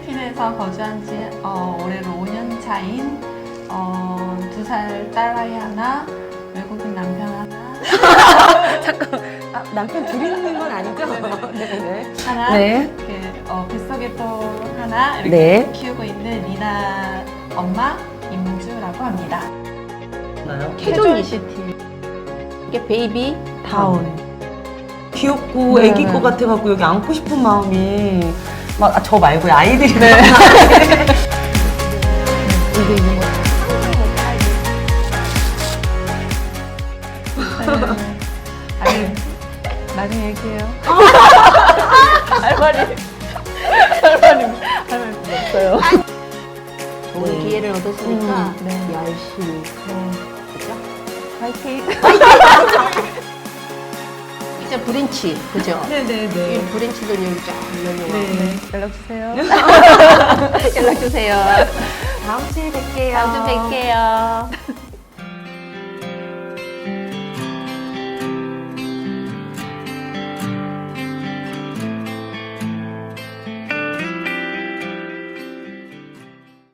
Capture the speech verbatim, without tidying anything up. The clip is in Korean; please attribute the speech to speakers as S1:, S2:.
S1: 필리핀에서 거주한 지 어, 올해로 오 년 차인 어, 두 살 딸아이 하나, 외국인 남편 하나,
S2: 잠깐. 아, 남편 둘이 있는 건 아니죠? 네네.
S1: 하나,
S2: 네.
S1: 이렇게 어, 뱃속에 또 하나 이렇게
S2: 네.
S1: 키우고 있는 리나 엄마 임주라고 합니다.
S2: 캐존 이시티. 이게 베이비 다운.
S3: 귀엽고
S2: 네.
S3: 애기 거 같아갖고 여기 안고 싶은 마음이 막 저 말고요 아이들이
S2: 네. 이게 있는 거.
S1: 아니, 나중에 얘기해요.
S2: 할 말이 할 말이 할 말이 없어요. 오늘
S3: 네.
S2: 기회를 얻었으니까
S1: 음, 네.
S2: 열심히. 그죠?
S1: 화이팅!
S2: 이제 브랜치, 그죠? 이
S3: 네네네.
S2: 브랜치들 여기 쫙 열려고.
S3: 네.
S1: 연락주세요.
S2: 연락 주세요. 다음 주에 뵐게요. 다음 주에 뵐게요.